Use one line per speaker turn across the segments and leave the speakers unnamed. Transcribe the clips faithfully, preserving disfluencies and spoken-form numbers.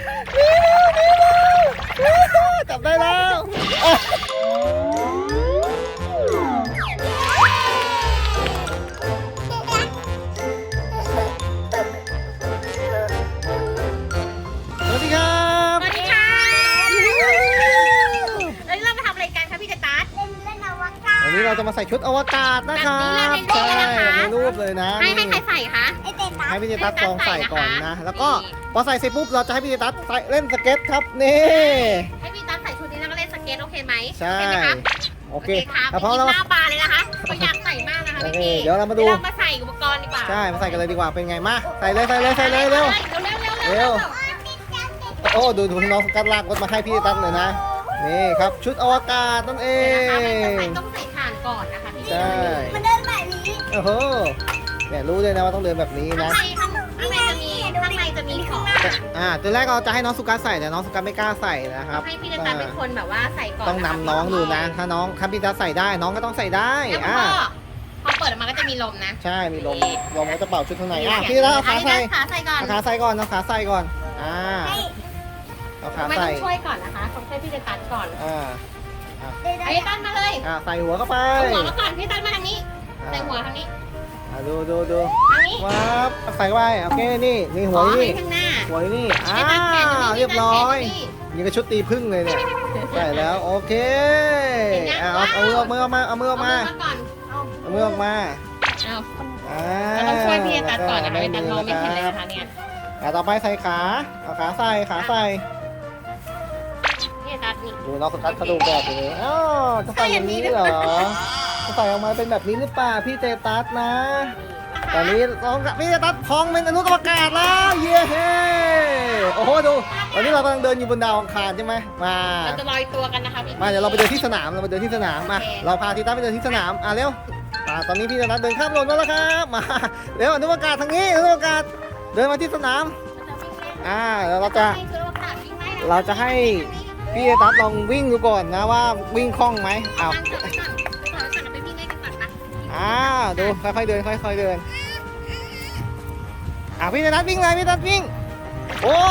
จับได้แล้วสวัสดีครับ
สวัสดีค่ะแล้วเรามาทำอะไรกันคะพี่เจตัส
เล่นเล่นอวกาศ
วันนี้เราจะมาใส่ชุดอวกาศนะครับ
แบบนี้เลยในรูปเลยนะคะ
ในรูปเลยนะ
ให้ให้ใครใส่คะ
ไอเตตั
ให้
ส
พี่เจตัสลองใส่ก่อนนะ
ให้พี่เจตัสใส่นะคะ
แล้วก็
นี่
พอใส่เสร็จปุ๊บเราจะให้พี่เจตัสใส่เล่นสเก็ตครับนี่
ให้พี่ตัสใส่ชุดนี้แล้วก็เล่นสเก็ตโอเคไหม
ใช่
โอเคไหมคะ
โอเค
ค่ะ
แต่พ
พ
อ
อ
เรา
เราหน้าบานเลยนะคะก็อยากใส่มากนะคะ
โอเค
พี่
เดี๋ยวเรามาดู
เรามาใส่อุปกรณ์ดีกว่า
ใช่มาใส่กันเลยดีกว่าเป็นไงมาใส่เลยใส่เลยใส่เลยเร็ว
เร็วเร็วเร็ว
เร็ว โอ้ดูดูน้องสกัดลากรถมาให้พี่ตั๊กเลยนะนี่ครับชุดอวกาศนั่นเอ
เดี๋ยวนะคะ
ง
มันต้องใส่ถ่านก่อนนะคะพี่
ใช่
มันเดินแบบนี้
โอ้โหเนี่ยรู้เลยนะว่าต้องเดินแบบนี้
ข้าง
นะ
ในข้างข้างในจะมีข้างในจะมีของ
อ่าตัวแรกเราจะให้น้องสุกัดใส่แต่น้องสุกัดไม่กล้าใส่นะครับ
ให้พี่เจตัสเป็นคนแบบว่าใส่ก่อน
ต้องนำน้องดูนะ ถ้าน้องถ้าพี่ตั๊กใส่ได้น้องก็ต้องใส่ได้
แล้ว
อ่า
ก็พอเปิดออกมาก็จะมีลมนะ
ใช่มีลมลมก็จะเป่าชุดข้างในอ่ะพี่ตั๊กเอาขาใส่
ขาใส่ก่อน
เอาขาใส่ก่อนเอาขาใส่ก่อนอ่า
ให้
เอาขา
ไม่
ใส่
ต้องช่วยก่อนนะคะต้องช่วยพี่เจตัสก่อน
อ่า
เดิน
ไอ้ตันมาเลย
อ่าใส่หัวเข้าไป
เอาหัวมาก่อนพี่ตันมาทางนี้ใส่หัวทางนี้
อ่าดูดูดู
ทางนี้
ว้าวใส่เข้าไปโอเคนี่นี่หัว
อ๋อ
นี่
ข้างหน้า
หัวนี่อ่า
พี่ตันแขนอยู่นี่
เรียบร้อย
พี่ตันแขนอยู่นี่
นี่ก็ชุดตีพึ่งเลยเนี่ยใส่แล้วโอเค
เห็นยัง
อ่ะเอาเอามือออกมาเอามือออกมา
เอามือมาก่อน
เอามือออกมา
เอา
อ่า
เราต้องช่วยพี่ตัดก่อนนะคะพี่ตัดมองไม่เห็นเลย
ค
นะ
รับ
คะเนี่ย
อ่ะต่อไปใส่ขาเอาขาใส่ขาใส่
พี่ตัดนี่
ดูน้องสกัดเขาดูแบบนี้อ้าวจะใส่อย่างนี้เหรอจะใส่ออกมาเป็นแบบนี้หรือเปล่าพี่เตตัสนะ ตอนนี้น้องพี่เตตัสพองเป็นอนุกรรมการแล้วเย้เฮ้โอ้โหดูตอนนี้เรากำลังเดินอยู่บนดาวอังคารใช่ไหมมา
เราจะลอยตัวกันนะคะพี่
มาเดี๋ยวเราไปเดินที่สนามเราไปเดินที่สนามมา
โอเค
เราพาทีต้าไปเดินที่สนามอ่ะเร็วมาตอนนี้พี่จะนัดเดินข้ามถนนมาแล้วครับมาเร็วอนุกรรมการทางนี้อนุกรรมการเดินมาที่สนามอ่าแล้วเราจะเราจะให้พี่ตัดลองวิ่งดูก่อนนะว่าวิ่งคล่องไหมอ้าว
ก่อนก่อนก่อนก่อนไปวิ่งได้กันก่อนนะ
อ้าวดูค่อยๆเดินค่อยๆเดินอ่ะพี่ตัดวิ่งเลยพี่ตัดวิ่งโอ้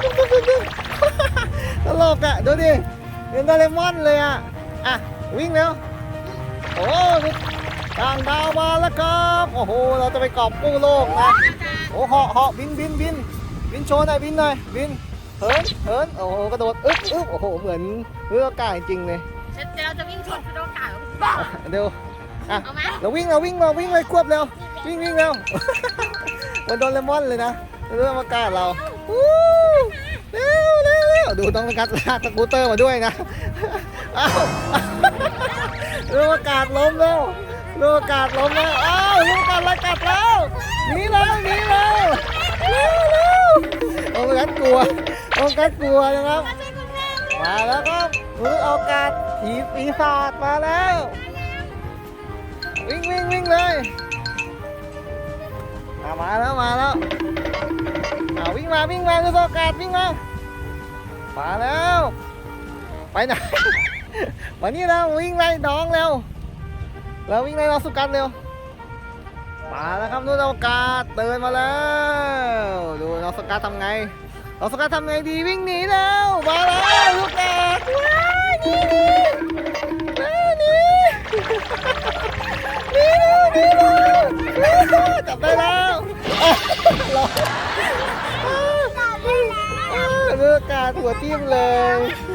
ตลกอ่ะดูดิเป็นโดเรมอนเลยอ่ะอ่ะวิ่งเร็วโอ้ต่างดาวมาแล้วครับโอ้โหเราจะไปกอบกู้โลกนะโอ้เหาะเหาะบินบินบินบินโชว์หน่อยบินหน่อยบินเหินเหินโอ้โหกระโดดอึ๊บอึ๊บโอ้โหเหมือนเรืออากาศจริงเลย
เดี๋ยวเราจะวิ่งชนชุดโอกาส
เดี๋ยวอ่ะ
เอาไหม
เราวิ่งเราวิ่งเราวิ่งเลยควบเร็ววิ่งวิ่งเร็ว มันโดนเลมอนเลยนะเรื่องอากาศเราอู้เร็วเร็วเร็วดูต้องกัดลากสกูตเตอร์มาด้วยนะอ้าวเรื่องอากาศล้มแล้วเรื่องอากาศล้มแล้วอ้าวเรื่องอากาศไล่กัดแล้วหนีแล้วหนีแล้วเร็วเร็วโอ้กัดกลัวโอ้กัดกลัวนะครับมาแล้วครับเรื่องอากาศผีปีศาจมาแล้ววิ่งวิ่งวิ่งเลยอ่ะมาแล้วมาแล้วอ่าวิ่งมาวิ่งมาเรื่องอากาศวิ่งมามาแล้วไปไหน มานี่แล้ววิ่งไล่น้องเร็วแล้ววิ่งไล่น้องสุกัดเร็วมาแล้วครับนู่นอากาศเดินมาแล้วดูน้องสุกัดทำไงน้องสุกัดทำไงดีวิ่งหนีแล้วมาแล้วลูกแกว้ายหนีหนีหนีหนีหนีหนีจับได้แล้วเลือกการหัวทิ่มเลย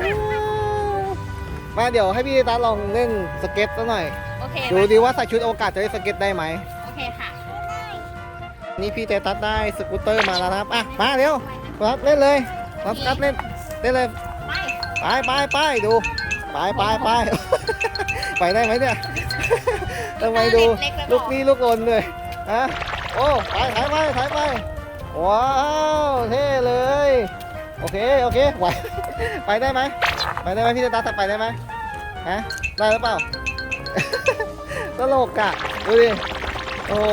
มาเดี๋ยวให้พี่ตาลองเล่นสเก็ตซะหน่อย
โอเค
ดูดีว่าใส่ชุดอวกาศจะได้สเก็ตได้ไหม
โอเคค่ะ
นี่พี่เตตัสได้สกูตเตอร์มาแล้วนะครับอ่ะมาเร็วรับเล่นเลยรับกัดเล่นเล่นเลย
ไป
ไปไปไปดูไปไปไป ไปได้ไหมเนี่ยทำไมดูลูกนี้ลูกลนเลยฮะโอ้ไปถ่ายไปถ่ายไปว้าวเท่เลยโอเคโอเคไหว ไปได้ไหมไปได้ไหมพี่เตตัสไปได้ไหมฮะได้หรือเปล่า ตลกอ่ะดูดิโอ้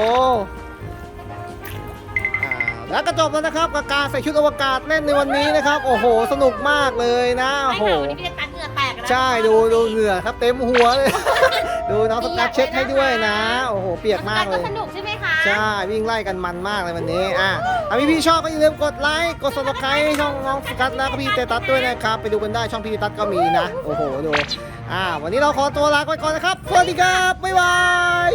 แล้วก็จบแล้วนะครับกับการใส่ชุดอวกาศเล่นในวันนี้นะครับโอ้โหสนุกมากเลยนะโอ้โห
วันนี้พี่จะตัดเหงื่อแตกนะ
ใช่ดูดูเหงื่อครับเต็มหัวเลยดูน้องสกัดเช็ดให้ด้วยนะโอ้โหเปียกมากเลย
สนุกใช่ไหมคะ
ใช่วิ่งไล่กันมันมากเลยวันนี้อ่ะถ้าพี่พี่ๆชอบก็อย่าลืมกดไลค์กด ซับสไครบ์ ช่องน้องสกัดแล้วก็พี่เตตัสด้วยนะครับไปดูกันได้ช่องพี่เตตัสก็มีนะโอ้โหดูอ่าวันนี้เราขอตัวลาไปก่อนนะครับสวัสดีครับบ๊ายบาย